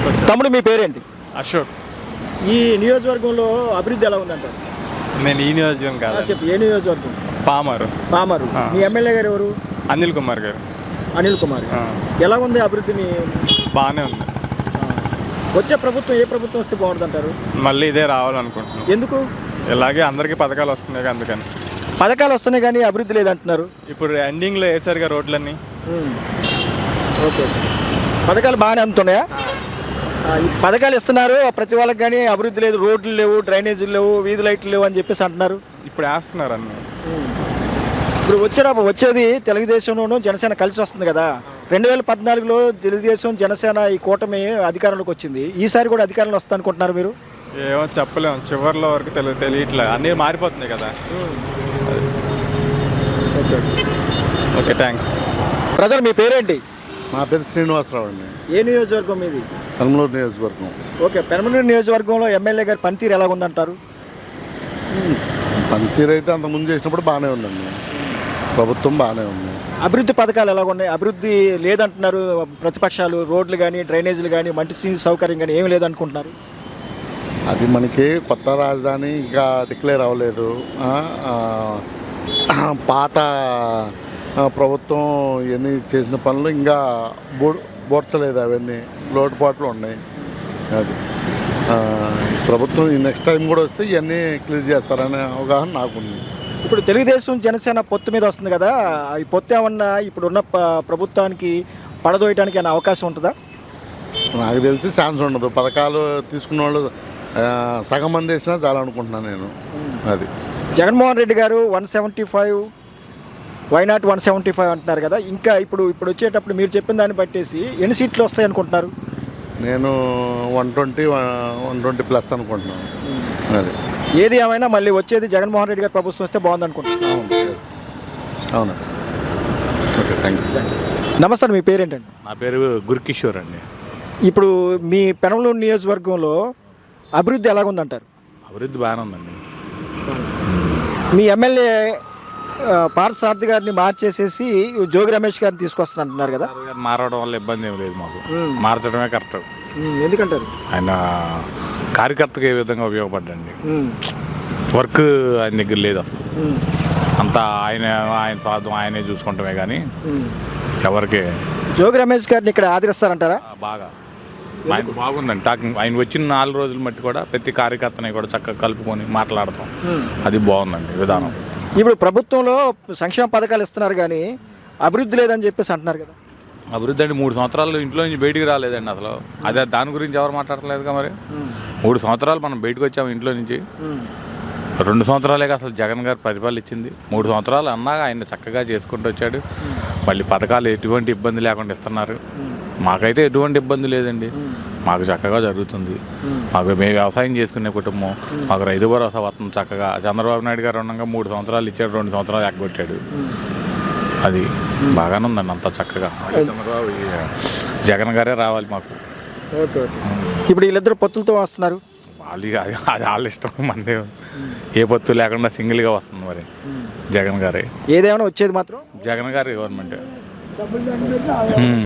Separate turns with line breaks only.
తమ్ముడు మీ పేరేంటి?
అశోక్.
ఈ నియోజకవర్గంలో అభివృద్ధి ఎలా ఉందంటారు?
నేను ఈ నియోజకవర్గం కాదు,
చెప్పు, ఏ నియోజకవర్గం?
పామరు.
పామరు. మీ ఎమ్మెల్యే గారు ఎవరు?
అనిల్ కుమార్ గారు.
అనిల్ కుమార్. ఎలా ఉంది అభివృద్ధి?
బాగానే ఉంది.
వచ్చే ప్రభుత్వం ఏ ప్రభుత్వం వస్తే బాగుంటుంది అంటారు?
మళ్ళీ ఇదే రావాలనుకుంటున్నాను.
ఎందుకు?
ఇలాగే అందరికీ పథకాలు వస్తున్నాయి అందుకని.
పథకాలు వస్తున్నాయి కానీ అభివృద్ధి లేదంటున్నారు.
ఇప్పుడు ఎండింగ్లో వేసారుగా రోడ్లన్నీ.
ఓకే, పథకాలు బాగానే అందుతున్నాయా? ఈ పథకాలు ఇస్తున్నారు ప్రతి వాళ్ళకి, కానీ అభివృద్ధి లేదు, రోడ్లు లేవు, డ్రైనేజీలు లేవు, వీధి లైట్లు లేవు అని చెప్పేసి అంటున్నారు.
ఇప్పుడు వేస్తున్నారు అన్నీ.
ఇప్పుడు వచ్చేది తెలుగుదేశంలోనూ జనసేన కలిసి వస్తుంది కదా. 2014లో తెలుగుదేశం జనసేన ఈ కూటమి అధికారంలోకి వచ్చింది. ఈసారి కూడా అధికారంలో వస్తుంది అనుకుంటున్నారు మీరు?
ఏమో చెప్పలేము, చివరిలో వరకు తెలియట్లేదు, అన్నీ మారిపోతున్నాయి కదా. Okay, thanks.
బ్రదర్, మీ పేరేంటి?
నా పేరు శ్రీనివాసరావు అండి.
ఏ నియోజకవర్గం మీది?
పెనమలూరు నియోజకవర్గం.
ఓకే, పెనమలూరు నియోజకవర్గంలో ఎమ్మెల్యే గారి పనితీరు ఎలా ఉందంటారు?
పనితీరు అయితే అంతకుముందు చేసినప్పుడు బాగానే ఉందండి, ప్రభుత్వం బాగానే ఉంది.
అభివృద్ధి పథకాలు ఎలా ఉన్నాయి? అభివృద్ధి లేదంటున్నారు ప్రతిపక్షాలు. రోడ్లు కానీ, డ్రైనేజీలు కానీ, మంచి సౌకర్యం కానీ ఏమి లేదనుకుంటున్నారు.
అది మనకి కొత్త రాజధాని ఇంకా డిక్లేర్ అవ్వలేదు. పాత ప్రభుత్వం ఇవన్నీ చేసిన పనులు ఇంకా బోడ్చలేదు, అవన్నీ లోటుపాట్లు ఉన్నాయి. అది ప్రభుత్వం నెక్స్ట్ టైం కూడా వస్తే ఇవన్నీ క్లియర్ చేస్తారనే అవగాహన నాకుంది.
ఇప్పుడు తెలుగుదేశం జనసేన పొత్తు మీద వస్తుంది కదా, ఈ పొత్తు ఏమన్నా ఇప్పుడున్న ప్రభుత్వానికి పడదోయడానికి అనే అవకాశం ఉంటుందా?
నాకు తెలిసి ఛాన్స్ ఉండదు. పథకాలు తీసుకున్న వాళ్ళు సగం మంది వేసినా చాలా అనుకుంటున్నాను నేను. అది
జగన్మోహన్ రెడ్డి గారు 175, వైనాట్ 175 అంటున్నారు కదా. ఇంకా ఇప్పుడు వచ్చేటప్పుడు మీరు చెప్పిన దాన్ని బట్టేసి ఎన్ని సీట్లు వస్తాయి అనుకుంటున్నారు?
నేను 120 + అనుకుంటున్నాను. అది
ఏది ఏమైనా మళ్ళీ వచ్చేది జగన్మోహన్ రెడ్డి గారి ప్రభుత్వం వస్తే బాగుంది అనుకుంటున్నాను.
అవును. Okay, thank you.
నమస్తే, మీ పేరేంటండి?
నా పేరు గురుకిషోర్ అండి.
ఇప్పుడు మీ పెనమలూరు నియోజకవర్గంలో అభివృద్ధి ఎలాగుందంటారు?
అభివృద్ధి బాగానే ఉందండి.
మీ ఎమ్మెల్యే పార్థసారథి గారిని మార్చేసేసి జోగి రమేష్ గారిని తీసుకొస్తున్నారు కదా.
మారడం వల్ల ఇబ్బంది ఏం లేదు మాకు, మార్చడమే కరెక్ట్.
ఎందుకంటారు?
ఆయన కార్యకర్తకు ఏ విధంగా ఉపయోగపడ్డండి. వర్క్ ఆయన దగ్గర లేదు అసలు, అంతా ఆయన స్వార్థం ఆయనే చూసుకుంటామే కానీ ఎవరికి.
జోగి రమేష్ గారిని ఇక్కడ ఆదరిస్తారంటారా?
బాగా ఆయన బాగుందండి టాకింగ్. ఆయన వచ్చిన 4 రోజులు మట్టి కూడా ప్రతి కార్యకర్తని కూడా చక్కగా కలుపుకొని మాట్లాడతాం, అది బాగుందండి విధానం.
ఇప్పుడు ప్రభుత్వంలో సంక్షేమ పథకాలు ఇస్తున్నారు కానీ అభివృద్ధి లేదని చెప్పేసి అంటున్నారు కదా.
అభివృద్ధి అంటే 3 సంవత్సరాలు ఇంట్లో నుంచి బయటికి రాలేదండి అసలు. అదే దాని గురించి ఎవరు మాట్లాడలేదుగా. మరి 3 సంవత్సరాలు మనం బయటకు వచ్చాము ఇంట్లో నుంచి. 2 సంవత్సరాలే అసలు జగన్ గారు పరిపాలించింది. 3 సంవత్సరాలు అన్నాక ఆయన చక్కగా చేసుకుంటూ వచ్చాడు. మళ్ళీ పథకాలు ఎటువంటి ఇబ్బంది లేకుండా ఇస్తున్నారు. మాకైతే ఎటువంటి ఇబ్బంది లేదండి, మాకు చక్కగా జరుగుతుంది. మేము వ్యవసాయం చేసుకునే కుటుంబం, మాకు రైతు భరోసా వస్తుంది చక్కగా. చంద్రబాబు నాయుడు గారు ఉండగా 3 సంవత్సరాలు ఇచ్చాడు, 2 సంవత్సరాలు ఎగ్గొట్టాడు. అది బాగానే ఉందండి అంతా చక్కగా. చంద్రబాబు జగన్ గారే రావాలి మాకు.
ఇప్పుడు వీళ్ళిద్దరు పొత్తులతో వస్తున్నారు.
అది వాళ్ళ ఇష్టం, మందే. ఏ పొత్తు లేకుండా సింగిల్గా వస్తుంది మరి జగన్ గారే.
ఏదేమైనా వచ్చేది మాత్రం
జగన్ గారి గవర్నమెంట్.